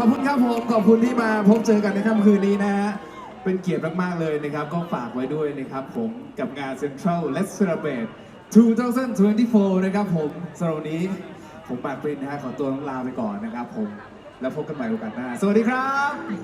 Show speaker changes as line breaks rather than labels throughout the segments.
อบคุณครับผมขอบคุณที่มาพบเจอกันในค่ำคืนนี้นะฮะเป็นเกียรติมากๆเลยนะครับก็ฝากไว้ด้วยนะครับผมกับงาน Central Let's Celebrate 2024 นะครับผมสำหรับวันนี้ผมปากปรินนะฮะขอตัวลาไปก่อนนะครับผมแล้วพบกันใหม่โอกาสหน้าสวัสดีครับ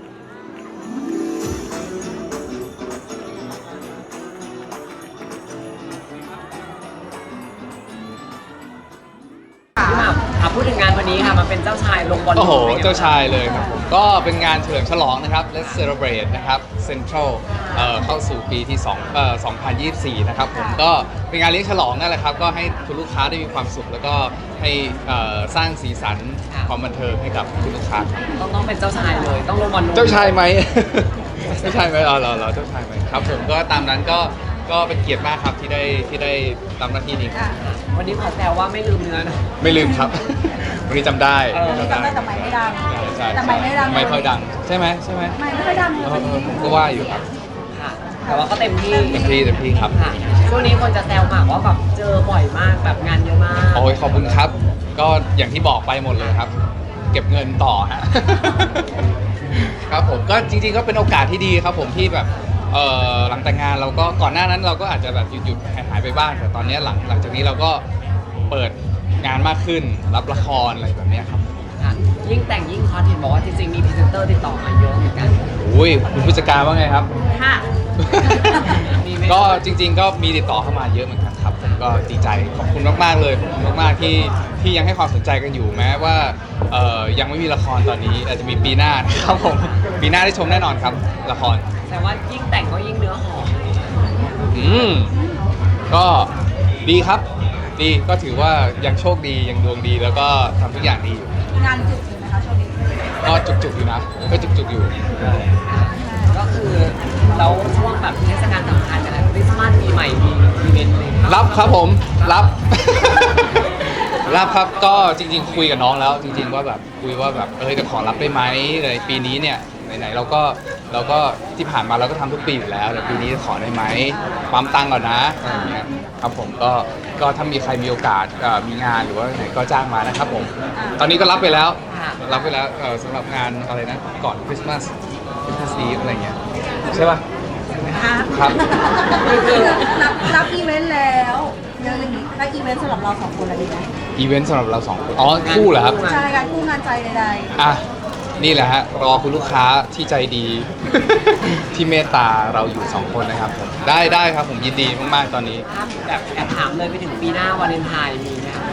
พี่หม่ำพูดถึงงานวันนี้ค่ะมันเป็นเจ้าชายลงบอล
โอ้โห
ลูน
เจ้าชายเลยครับผมก็เป็นงานเฉลิมฉลองนะครับ Let's Celebrate นะครับ Central เข้าสู่ปีที่2024 นะครับผมก็เป็นงานเลี้ยงฉลองนั่นแหละครับก็ให้คุณลูกค้าได้มีความสุข แล้วก็ให้สร้างสีสันความบันเทิงให้กับคุณลูกค้าครับ
ต้องเป็นเจ้าชายเลยต้องลงบอลลูน
เจ้าชายไหม เจ้าชายไหมอ๋อเหรอเจ้าชายไหมครับผมก็ตามนั้นก็เป็นเกียรติมากครับที่ได้ทำหน้าที่นี้ครับ
วันนี้ขอแซวว่าไม่ลืมเนื้อนะ
ไม่ลืมครับ วันนี้จำได้
จำได้แต่ไม่ดัง
ใช่
แต่ไม่ดัง
ไม่ค่อยดังใช่ไหม
ไม่ค่อยดังเลย
ผมก็ว่าอยู่ครับ
ค่ะแต่ว่าก็เต็มที่
เต็มที่ครับ
ค่ะช่วงนี้คนจะแซวหมากว่าแบบเจอบ่อยมากแบบงานเยอะมาก
โอ้ยขอบคุณครับ ก็อย่างที่บอกไปหมดเลยครับ เก็บเงินต่อฮะ ครับผมก็จริงๆก็เป็นโอกาสที่ดีครับผมที่แบบหลังแต่งงานเราก็ก่อนหน้านั้นเราก็อาจจะแบบหยุดหายไปบ้างแต่ตอนนี้หลังจากนี้เราก็เปิดงานมากขึ้นรับละครอะไรแบบนี้ครับ
ค่ะยิ่งแต่งยิ่งฮอตเห็นบอกว่าจริงๆมีพรีเซนเตอร์ติดต่อมาเยอะเหมือนกัน
อุ้ยคุณผู้จัดการว่าไงครับ
ค่ะ มีไหม
ก็จริงๆก็มีติดต่อเข้ามาเยอะเหมือนกันครับผมก็ดีใจขอบคุณมากๆเลยขอบคุณมากๆที่ยังให้ความสนใจกันอยู่แม้ว่ายังไม่มีละครตอนนี้อาจจะมีปีหน้านะครับผมปีหน้าได้ชมแน่นอนครับละคร
แต่ว่ายิ่งแต่งก็ยิ่งเนื้อหอม
ก็ดีครับดีก็ถือว่ายังโชคดียังดวงดีแล้วก็ทำทุกอย่างดีอยู่
งานจุกอยู่นะคะช่วงนี้
ก็จุกๆอยู่นะก็จุกๆอยู่
ก็คือเราช่วงแบบเทศกาลสำคัญอะไรคริสต์มาสปีใหม่มีอีเวนต์อะไรางเงี้ย
รับครับผมรับ รับครับก็จริงๆคุยกับน้องแล้วจริงๆว่าแบบคุยว่าแบบจะขอรับได้ไหมในปีนี้เนี่ยไหนๆเราก็ที่ผ่านมาเราก็ทำทุกปีอยู่แล้วแต่ปีนี้ขอได้ไหมปั๊มตังค์ก่อนนะอะไรอย่างเงี้ยครับผมก็ถ้ามีใครมีโอกาสมีงานหรือว่าไหนก็จ้างมานะครับผมตอนนี้ก็รับไปแล้วสำหรับงานอะไรนะก่อนคริสต์มาสอีฟอะไรเงี้ยใช่ป่ะครับ
รับอีเวนต์แล้วเรื่องนี้รับอีเวนต์สำหรับเราสองคนอะไรดีไหม
อีเวนต์สำหรับเราสองคนอ๋อคู่เหรอครับ
ใช่การคู่งานใจใด
อ่ะนี่แหละฮะรอคุณลูกค้าที่ใจดี ที่เมตตาเราอยู่สองคนนะครับผมได้ครับผมยินดีมากๆตอนนี้
ถ้าแบบแอบถามเลยไปถึงปีหน้าวาเลนไทน์มีไหมคะ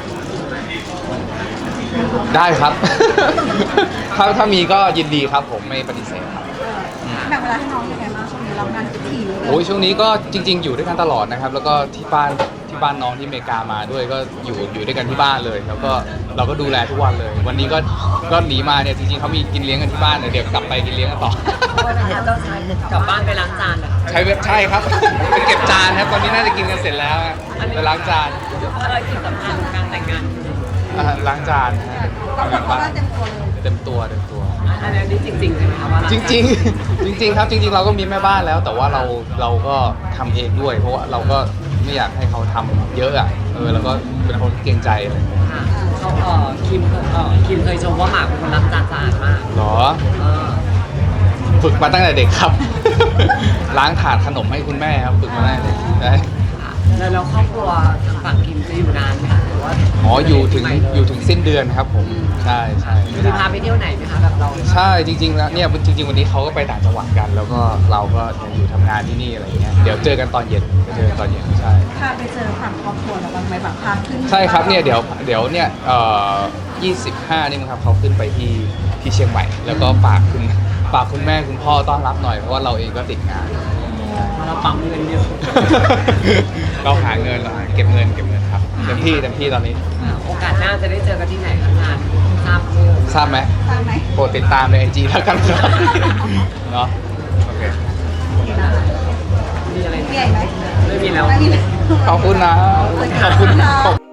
ได้ครับ ถ้ามีก็ยินดีครับผมไม่ปฏิเสธครับ
ๆแบ่งเวลาให้น้องยังไงบ้างช่วงนี้เรางานถี่เลย
โอ้ยช่วงนี้ก็จริง ๆ อยู่ด้วยกันตลอดนะครับ แล้วก็ที่บ้านน้องที่อเมริกามาด้วยก็อยู่ด้วยกันที่บ้านเลย แล้วก็เราก็ดูแลทุกวันเลย วันนี้ก็หนีมาเนี่ยจริงๆเขามีกินเลี้ยงกันที่บ้านเดี๋ยวกลับไปกินเลี้ยงกันต่อ
วันนี้เจ้าชายกลับบ้านไปล้างจานเหรอคะ
ใช่ครับ ไปเก็บจานครับตอนนี้น่าจะกินกันเสร็จแล้วฮะไปล้างจาน
อะไรที่สำคัญของการแต่งงาน
ล้างจาน
เราคนก็เต็มตัวเลย
เต็มตัว
อันนี้จริงๆใช่ไหมคะว่าล้าง
จ
จาน
ริงครับจริงๆเราก็มีแม่บ้านแล้ว แต่ว่าเราก็ทำเองด้วย เพราะว่าเราก็ไม่อยากให้เขาทำเยอะอ่ะแล้วก็เป็นคนเกรงใจเลย
ค่ะเขาคิมเคยชมว่าหมากเป็นคนล้างจานสะอาดมาก
หรอ
เออ
ฝึกมาตั้งแต่เด็กครับ ล้างถาดขนมให้คุณแม่ครับฝึกมาตั้งแต่เด็กได้
ค่ะแล้วครอบครัวทางฝั่งคิมจะอยู่นานไหมคะหรือว่า
อ๋ออยู่ถึงสิ้นเดือนครับผมใช่ไม่
มี
นาน
พาไปเที่ยวไหนไหมคะแบบเรา
ใช่จริงๆแล้วเนี่ยจริงๆวันนี้เขาก็ไปต่างจังหวัดกัน แล้วก็เราก็ยังอยู่ทำงานที่นี่อะไรเงี้ยเดี๋ยวเจอกันตอนเย็นใช่
พาไปเจอฝั่งครอบครัวเราบ้างไหมแบบพาขึ้น
ใช่ครับเนี่ยเดี๋ยวเนี่ย25นี่มั้งครับเขาขึ้นไปที่เชียงใหม่ แล้วก็ฝากคุณแม่คุณพ่อต้อนรับหน่อยเพราะว่าเราเองก็ติดงาน
เราปั๊มเงินเยอะ
เราหาเงินเก็บเงินครับเต็มที่ตอนนี้
โอกาสหน้าจะได้เจอกันที่ไหนคะงานทราบชื่อ
ทราบไหม
ตามไหม
โปรดติดตามในไอจีแล้วกันครับเนาะโอเค
มีอะไร
มีอะไรไหม
ไม่มีแล้ว
ไม่มีเลย
ขอบคุณนะขอบคุณ